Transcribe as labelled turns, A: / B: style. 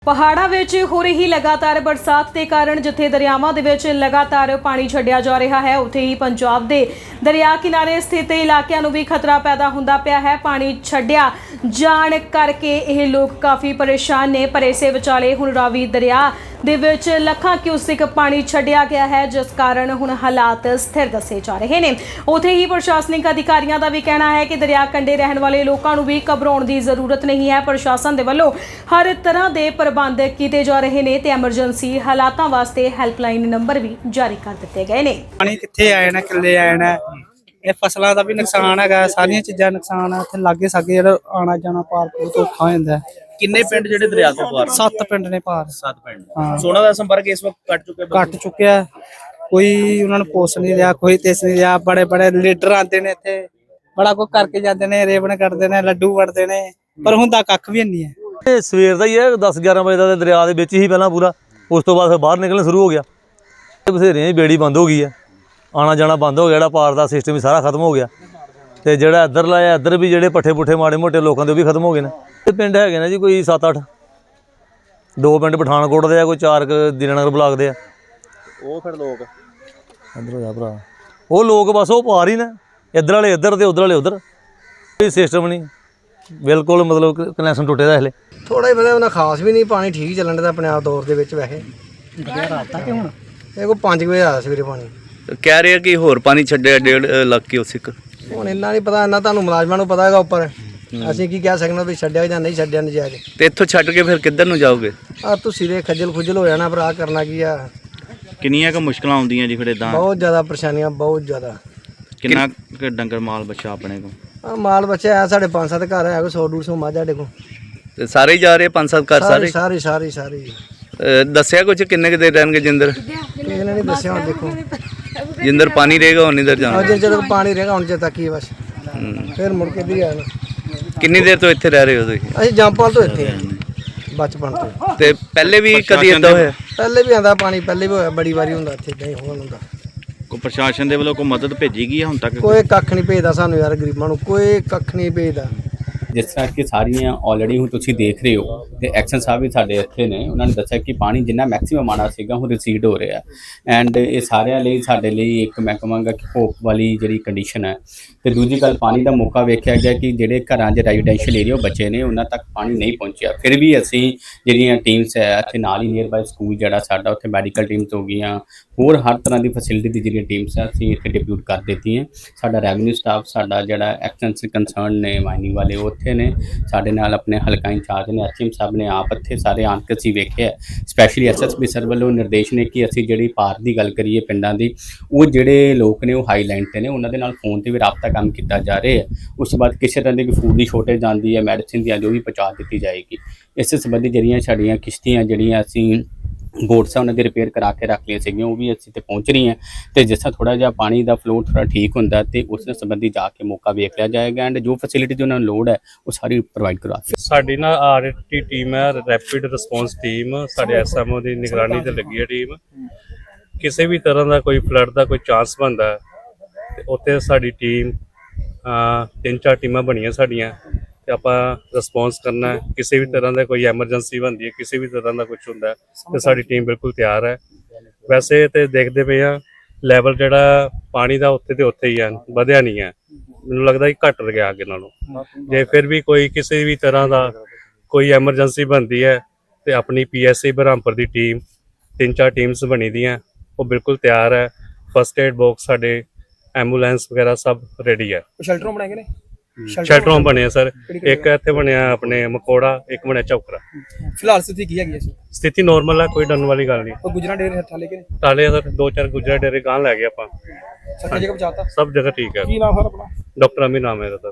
A: ਪਹਾੜਾਂ ਵਿੱਚ ਹੋ ਰਹੀ ਲਗਾਤਾਰ ਬਰਸਾਤ ਦੇ ਕਾਰਨ ਜਿੱਥੇ ਦਰਿਆਵਾਂ ਦੇ ਵਿੱਚ ਲਗਾਤਾਰ ਪਾਣੀ ਛੱਡਿਆ ਜਾ ਰਿਹਾ ਹੈ, ਉੱਥੇ ਹੀ ਪੰਜਾਬ ਦੇ ਦਰਿਆ ਕਿਨਾਰੇ ਸਥਿਤ ਇਲਾਕਿਆਂ ਨੂੰ ਵੀ ਖਤਰਾ ਪੈਦਾ ਹੁੰਦਾ ਪਿਆ ਹੈ। ਪਾਣੀ ਛੱਡਿਆ ਜਾਣ ਕਰਕੇ ਇਹ ਲੋਕ ਕਾਫੀ ਪਰੇਸ਼ਾਨ ਨੇ। ਪਰ ਇਸੇ ਵਿਚਾਲੇ ਹੁਣ ਰਾਵੀ ਦਰਿਆ ਦੇ ਵਿੱਚ ਲੱਖਾਂ ਕਿਊਸਿਕ ਪਾਣੀ ਛੱਡਿਆ ਗਿਆ ਹੈ, ਜਿਸ ਕਾਰਨ ਹੁਣ ਹਾਲਾਤ ਸਥਿਰ ਦੱਸੇ ਜਾ ਰਹੇ ਨੇ। ਉੱਥੇ ਹੀ ਪ੍ਰਸ਼ਾਸਨਿਕ ਅਧਿਕਾਰੀਆਂ ਦਾ ਵੀ ਕਹਿਣਾ ਹੈ ਕਿ ਦਰਿਆ ਕੰਢੇ ਰਹਿਣ ਵਾਲੇ ਲੋਕਾਂ ਨੂੰ ਵੀ ਘਬਰਾਉਣ ਦੀ ਜ਼ਰੂਰਤ ਨਹੀਂ ਹੈ। ਪ੍ਰਸ਼ਾਸਨ ਦੇ ਵੱਲੋਂ ਹਰ ਤਰ੍ਹਾਂ ਦੇ ਪ੍ਰਬੰਧ ਕੀਤੇ ਜਾ ਰਹੇ ਨੇ ਤੇ ਐਮਰਜੈਂਸੀ ਹਾਲਾਤਾਂ ਵਾਸਤੇ ਹੈਲਪਲਾਈਨ ਨੰਬਰ ਵੀ ਜਾਰੀ ਕਰ ਦਿੱਤੇ ਗਏ ਨੇ।
B: ਪਾਣੀ ਕਿੱਥੇ ਆਏ ਨਾ ਕਿੱਲੇ ਆਏ ਨਾ, ਇਹ ਫਸਲਾਂ ਦਾ ਵੀ ਨੁਕਸਾਨ ਹੈਗਾ, ਸਾਰੀਆਂ ਚੀਜ਼ਾਂ ਨੁਕਸਾਨ ਆ। ਇੱਥੇ ਲਾਗੇ ਸਾਗੇ ਜਿਹੜਾ ਆਣਾ ਜਾਣਾ ਪਾਰ ਬਹੁਤ ਔਖਾ ਹੋ ਜਾਂਦਾ।
C: ਕਿੰਨੇ ਪਿੰਡ ਜਿਹੜੇ ਦਰਿਆ ਤੋਂ ਪਾਰ?
B: 7 ਪਿੰਡ ਨੇ ਪਾਰ।
C: 7 ਪਿੰਡ। ਸੋਨਾ ਦਾ ਸੰਪਰਕ ਇਸ ਵਕਤ ਕੱਟ
B: ਚੁੱਕਿਆ। ਕੋਈ ਉਹਨਾਂ ਨੂੰ ਪੁੱਛ ਨਹੀਂ ਰਿਹਾ, ਕੋਈ ਤਿਸ ਨਹੀਂ ਰਿਹਾ। ਬੜੇ ਬੜੇ ਲੀਡਰ ਆਉਂਦੇ ਨੇ ਇੱਥੇ, ਬੜਾ ਕੁਝ ਕਰਕੇ ਜਾਂਦੇ ਨੇ, ਰੇਵਣ ਕੱਢਦੇ ਨੇ, ਲੱਡੂ ਵੜਦੇ ਨੇ, ਪਰ ਹੁੰਦਾ ਕੱਖ ਵੀ ਨਹੀਂ ਹੈ।
D: ਇਹ ਸਵੇਰ ਦਾ ਹੀ ਹੈ, 10-11 ਵਜੇ ਦਾ ਦਰਿਆ ਦੇ ਵਿੱਚ ਹੀ ਪਹਿਲਾਂ ਪੂਰਾ, ਉਸ ਤੋਂ ਬਾਅਦ ਫਿਰ ਬਾਹਰ ਨਿਕਲਣਾ ਸ਼ੁਰੂ ਹੋ ਗਿਆ। ਬਥੇਰਿਆਂ ਦੀ ਬੇੜੀ ਬੰਦ ਹੋ ਗਈ ਹੈ, ਆਣਾ ਜਾਣਾ ਬੰਦ ਹੋ ਗਿਆ, ਜਿਹੜਾ ਪਾਰ ਦਾ ਸਿਸਟਮ ਵੀ ਸਾਰਾ ਖਤਮ ਹੋ ਗਿਆ। ਤੇ ਜਿਹੜਾ ਇੱਧਰ ਲਾਇਆ, ਇੱਧਰ ਵੀ ਜਿਹੜੇ ਪੱਠੇ ਪੁੱਠੇ ਮਾੜੇ ਮੋਟੇ ਲੋਕਾਂ ਦੇ ਉਹ ਵੀ ਖਤਮ ਹੋ ਗਏ ਨੇ। ਤੇ ਪਿੰਡ ਹੈਗੇ ਨੇ ਜੀ ਕੋਈ 7-8, 2 ਪਿੰਡ ਪਠਾਨਕੋਟ ਦੇ ਆ, ਕੋਈ 4 ਦੀਨਾਨਗਰ ਬਲਾਕ ਦੇ ਆ।
C: ਉਹ ਫਿਰ ਲੋਕ
D: ਇੱਧਰ ਹੋ ਜਾ ਭਰਾ, ਉਹ ਲੋਕ ਬਸ ਉਹ ਪਾਰ ਹੀ ਨੇ, ਇੱਧਰ ਵਾਲੇ ਇੱਧਰ ਤੇ ਉੱਧਰ ਵਾਲੇ ਉੱਧਰ। ਕੋਈ ਸਿਸਟਮ ਨਹੀਂ, ਬਿਲਕੁਲ ਮਤਲਬ ਕਨੈਕਸ਼ਨ ਟੁੱਟੇ ਦਾ ਹਲੇ।
E: ਥੋੜਾ ਹੀ ਪਤਾ ਉਹਨਾਂ ਖਾਸ ਵੀ ਨਹੀਂ, ਪਾਣੀ ਠੀਕ ਚੱਲਣ ਦਾ ਆਪਣੇ ਆਪ ਦੌਰ ਦੇ ਵਿੱਚ। ਵੈਸੇ ਰਾਤ ਤੱਕ ਹੁਣ ਇਹ ਕੋਈ 5 ਵਜੇ ਆਇਆ ਸਵੇਰੇ ਪਾਣੀ।
C: ਕਹਿ ਰਹੇ ਕਿ ਹੋਰ ਪਾਣੀ ਛੱਡਿਆ 1.5 ਲੱਖ ਕਿਊਸਿਕ।
E: ਹੁਣ ਇੰਨਾ ਨਹੀਂ ਪਤਾ, ਇੰਨਾ ਤੁਹਾਨੂੰ ਮੁਲਾਜ਼ਮਾਂ ਨੂੰ ਪਤਾ ਹੈਗਾ ਉੱਪਰ। ਅਸੀਂ ਕੀ ਕਹਿ ਸਕਦੇ ਵੀ ਛੱਡਿਆ ਜਾਂ ਨਹੀਂ ਛੱਡਿਆ ਨਜਾਇਜ਼।
C: ਤੇ ਇੱਥੋਂ ਛੱਡ ਕੇ ਫਿਰ ਕਿੱਧਰ ਨੂੰ ਜਾਓਗੇ?
E: ਆ ਤੁਸੀਂ ਦੇ ਖੱਜਲ ਖੁਜਲ ਹੋ ਜਾਣਾ ਭਰਾ, ਕਰਨਾ ਕੀ ਆ।
C: ਕਿੰਨੀਆਂ ਕੁ ਮੁਸ਼ਕਲਾਂ ਆਉਂਦੀਆਂ ਜੀ ਫਿਰ ਇਦਾਂ?
E: ਬਹੁਤ ਜ਼ਿਆਦਾ ਪਰੇਸ਼ਾਨੀਆਂ, ਬਹੁਤ ਜ਼ਿਆਦਾ।
C: ਕਿੰਨਾ ਕੁ ਡੰਗਰ ਮਾਲ ਬੱਚਾ ਆਪਣੇ ਕੋਲ?
E: ਆ ਮਾਲ ਬੱਚਾ ਹੈ ਸਾਡੇ 5-7 ਘਰ ਹੈ, ਕੋਈ 100-150 ਮੱਝ ਸਾਡੇ ਕੋਲ।
C: ਤੇ ਸਾਰੇ ਹੀ ਜਾ ਰਹੇ 5-7 ਘਰ ਸਾਰੇ?
E: ਸਾਰੇ
C: ਦੱਸਿਆ ਕੁਝ ਕਿੰਨੇ ਕੁ ਦੇਰ ਰਹਿਣਗੇ ਜਿੰਦਰ?
E: ਕਿਸੇ ਨੇ ਨਹੀਂ ਦੱਸਿਆ। ਹੁਣ ਦੇਖੋ
C: ਜਿੰਦਰ ਪਾਣੀ ਰਹੇਗਾ ਹੁਣ ਇਧਰ ਜਾਣਾ।
E: ਅੱਜ ਜਦੋਂ ਪਾਣੀ ਰਹੇਗਾ ਹੁਣ ਜੇ ਤੱਕ ਹੀ ਬਸ, ਫਿਰ ਮੁੜ ਕੇ ਵੀ ਆਣਾ।
C: ਕਿੰਨੀ ਦੇਰ ਤੋਂ ਇੱਥੇ ਰਹਿ ਰਹੇ ਹੋ ਤੁਸੀਂ?
E: ਅਸੀਂ ਜੰਪਾਲ ਤੋਂ ਇੱਥੇ ਬਚਪਨ ਤੋਂ।
C: ਤੇ ਪਹਿਲੇ ਵੀ ਕਦੀ ਏਦਾਂ ਹੋਇਆ?
E: ਪਹਿਲੇ ਵੀ ਆਂਦਾ ਪਾਣੀ, ਪਹਿਲੇ ਵੀ ਹੋਇਆ, ਬੜੀ ਵਾਰੀ ਹੁੰਦਾ ਇੱਥੇ ਇਦਾਂ ਹੀ ਹੋਣ ਹੁੰਦਾ।
C: ਕੋਈ ਪ੍ਰਸ਼ਾਸਨ ਦੇ ਵੱਲੋਂ ਕੋਈ ਮਦਦ ਭੇਜੀ ਗਈ ਹੈ ਹੁਣ ਤੱਕ?
E: ਕੋਈ ਕੱਖ ਨਹੀਂ ਭੇਜਦਾ ਸਾਨੂੰ ਯਾਰ, ਗਰੀਬਾਂ ਨੂੰ ਕੋਈ ਕੱਖ ਨਹੀਂ ਭੇਜਦਾ।
F: ਜਿਸ ਤਰ੍ਹਾਂ ਕਿ ਸਾਰੀਆਂ ਆਲਰੇਡੀ ਹੁਣ ਤੁਸੀਂ ਦੇਖ ਰਹੇ ਹੋ ਤੇ ਐਕਸ਼ਨ ਸਾਹਿਬ ਵੀ ਸਾਡੇ ਇੱਥੇ ਨੇ, ਉਹਨਾਂ ਨੇ ਦੱਸਿਆ ਕਿ ਪਾਣੀ ਜਿੰਨਾ ਮੈਕਸਿਮਮ ਆਉਣਾ ਸੀਗਾ ਹੁਣ ਰਿਸੀਡ ਹੋ ਰਿਹਾ ਐਂਡ ਇਹ ਸਾਰਿਆਂ ਲਈ ਸਾਡੇ ਲਈ ਇੱਕ ਮੈਂ ਕਹਾਂਗਾ ਕਿ ਹੋਪ ਵਾਲੀ ਜਿਹੜੀ ਕੰਡੀਸ਼ਨ ਹੈ। ਤੇ ਦੂਜੀ ਗੱਲ, ਪਾਣੀ ਦਾ ਮੌਕਾ ਵੇਖਿਆ ਗਿਆ ਕਿ ਜਿਹੜੇ ਘਰਾਂ 'ਚ ਰੈਜ਼ੀਡੈਂਸ਼ੀਅਲ ਏਰੀਆ ਬੱਚੇ ਨੇ ਉਹਨਾਂ ਤੱਕ ਪਾਣੀ ਨਹੀਂ ਪਹੁੰਚਿਆ। ਫਿਰ ਵੀ ਅਸੀਂ ਜਿਹੜੀਆਂ ਟੀਮਸ ਹੈ ਇੱਥੇ ਨਾਲ ਹੀ ਨੀਅਰ ਬਾਈ ਸਕੂਲ ਜਿਹੜਾ ਸਾਡਾ, ਉੱਥੇ ਮੈਡੀਕਲ ਟੀਮਸ ਹੋ ਗਈਆਂ, ਹੋਰ ਹਰ ਤਰ੍ਹਾਂ ਦੀ ਫੈਸਿਲਿਟੀ ਦੀ ਜਿਹੜੀਆਂ ਟੀਮਸ ਹੈ ਅਸੀਂ ਇੱਥੇ ਡਿਪਿਊਟ ਕਰ ਦਿੱਤੀਆਂ। ਸਾਡਾ ਰੈਵਨਿਊ ਸਟਾਫ, ਸਾਡਾ ਜਿਹੜਾ ਐਕਸ਼ਨ ਕੰਸਰਨ ਨੇ ਮਾਈਨਿੰਗ ਵਾਲੇ ਉੱਥੇ ਨੇ, ਸਾਡੇ ਨਾਲ ਆਪਣੇ ਹਲਕਾ ਇੰਚਾਰਜ ਨੇ, ਐਚਐਮ ਸਾਹਿਬ ਨੇ ਆਪ ਇੱਥੇ ਸਾਰੇ ਆਣ ਕੇ ਅਸੀਂ ਵੇਖਿਆ। ਸਪੈਸ਼ਲੀ ਐਸਐਸਪੀ ਸਰ ਵੱਲੋਂ ਨਿਰਦੇਸ਼ ਨੇ ਕਿ ਅਸੀਂ ਜਿਹੜੀ ਪਾਰ ਦੀ ਗੱਲ ਕਰੀਏ ਪਿੰਡਾਂ ਦੀ, ਉਹ ਜਿਹੜੇ ਲੋਕ ਨੇ ਉਹ ਹਾਈ ਲਾਈਨ 'ਤੇ ਨੇ, ਉਹਨਾਂ ਦੇ ਨਾਲ ਫੋਨ 'ਤੇ ਵੀ ਰਾਬਤਾ ਕੰਮ ਕੀਤਾ ਜਾ ਰਿਹਾ ਹੈ। ਉਸ ਤੋਂ ਬਾਅਦ ਕਿਸੇ ਤਰ੍ਹਾਂ ਦੀ ਕੋਈ ਫੂਡ ਦੀ ਸ਼ੋਰਟੇਜ ਆਉਂਦੀ ਹੈ, ਮੈਡੀਸਿਨ ਦੀ, ਜੋ ਵੀ ਪਹੁੰਚਾ ਦਿੱਤੀ ਜਾਏਗੀ। ਇਸ ਸੰਬੰਧੀ ਜਿਹੜੀਆਂ ਸਾਡੀਆਂ ਕਿਸ਼ਤੀਆਂ ਜਿਹੜੀਆਂ ਅਸੀਂ ਬੋਟਸ ਆ ਉਹਨਾਂ ਦੀ ਰਿਪੇਅਰ ਕਰਾ ਕੇ ਰੱਖ ਲਈਆਂ ਸੀਗੀਆਂ, ਉਹ ਵੀ ਅਸੀਂ ਤੇ ਪਹੁੰਚ ਰਹੀਆਂ। ਤੇ ਜਿਸ ਤਰ੍ਹਾਂ ਥੋੜਾ ਜਿਹਾ ਪਾਣੀ ਦਾ ਫਲੋ ਥੋੜਾ ਠੀਕ ਹੁੰਦਾ ਤੇ ਉਸ ਦੇ ਸੰਬੰਧੀ ਜਾ ਕੇ ਮੌਕਾ ਵੇਖ ਲਿਆ ਜਾਏਗਾ ਐਂਡ ਜੋ ਫੈਸਿਲਿਟੀ ਉਹਨਾਂ ਨੂੰ ਲੋੜ ਹੈ ਉਹ ਸਾਰੀ ਪ੍ਰੋਵਾਈਡ ਕਰਵਾ ਦਿੱਤੀ।
G: ਸਾਡੀ ਨਾ ਆਰਟੀ ਟੀਮ ਹੈ, ਰੈਪਿਡ ਰਿਸਪੌਂਸ ਟੀਮ, ਸਾਡੇ ਐਸਐਮਓ ਦੀ ਨਿਗਰਾਨੀ ਤੇ ਲੱਗੀ ਹੈ ਟੀਮ। ਕਿਸੇ ਵੀ ਤਰ੍ਹਾਂ ਦਾ ਕੋਈ ਫਲੱਡ ਦਾ ਕੋਈ ਚਾਂਸ ਬਣਦਾ ਤੇ ਉੱਥੇ ਸਾਡੀ ਟੀਮ 3-4 ਟੀਮਾਂ ਬਣੀਆਂ ਸਾਡੀਆਂ ਤੇ ਆਪਾਂ ਰਿਸਪੌਂਸ ਕਰਨਾ। ਕਿਸੇ ਵੀ ਤਰ੍ਹਾਂ ਦਾ ਕੋਈ ਐਮਰਜੈਂਸੀ ਬਣਦੀ ਹੈ, ਕਿਸੇ ਵੀ ਤਰ੍ਹਾਂ ਦਾ ਕੁਝ ਹੁੰਦਾ ਤੇ ਸਾਡੀ ਟੀਮ ਬਿਲਕੁਲ ਤਿਆਰ ਹੈ। ਵੈਸੇ ਤੇ ਦੇਖਦੇ ਪਏ ਆ ਲੈਵਲ ਜਿਹੜਾ ਪਾਣੀ ਦਾ ਉੱਥੇ ਤੇ ਉੱਥੇ ਹੀ ਹੈ, ਵਧਿਆ ਨਹੀਂ ਹੈ। ਮੈਨੂੰ ਲੱਗਦਾ ਕਿ ਘਟ ਗਿਆ ਅੱਗੇ ਨਾਲੋਂ। ਜੇ ਫਿਰ ਵੀ ਕੋਈ ਕਿਸੇ ਵੀ ਤਰ੍ਹਾਂ ਦਾ ਕੋਈ ਐਮਰਜੈਂਸੀ ਬਣਦੀ ਹੈ ਤੇ ਆਪਣੀ PSA ਬਰਹਾਮਪੁਰ ਦੀ ਟੀਮ 3-4 ਟੀਮਸ ਬਣੀ ਦੀਆਂ, ਉਹ ਬਿਲਕੁਲ ਤਿਆਰ ਹੈ। ਫਸਟ ਏਡ ਬਾਕਸ ਸਾਡੇ, ਐਂਬੂਲੈਂਸ ਵਗੈਰਾ ਸਭ ਰੈਡੀ ਹੈ।
B: ਸ਼ੈਲਟਰ ਬਣਾਏ ਨੇ,
G: ਸ਼ੈਲਟਰ ਬਣੇ ਸਰ, ਇੱਕ ਇੱਥੇ ਬਣਿਆ ਆਪਣੇ ਮਕੋੜਾ, ਇੱਕ ਬਣਿਆ ਚੌਕਰਾ।
B: ਫਿਲਹਾਲ ਸਥਿਤੀ ਕੀ ਹੈਗੀ?
G: ਸਥਿਤੀ ਨੋਰਮਲ ਹੈ, ਕੋਈ ਡਰਨ ਵਾਲੀ ਗੱਲ ਨਹੀਂ।
B: ਉਹ ਗੁਜਰਾ ਡੇਰੇ ਹੱਥਾਂ ਲੈ ਕੇ
G: ਤਾਲੇ ਸਰ 2-4 ਗੁਜਰਾ ਡੇਰੇ ਗਾਂ ਲੈ ਗਏ ਆਪਾਂ,
B: ਸਭ ਜਗ੍ਹਾ ਪਹੁੰਚਾਤਾ,
G: ਸਭ ਜਗ੍ਹਾ ਠੀਕ ਹੈ।
B: ਕੀ ਨਾਮ ਸਰ ਆਪਣਾ?
G: ਡਾਕਟਰ ਅਮੀ ਨਾਮ ਹੈ ਇਹਦਾ।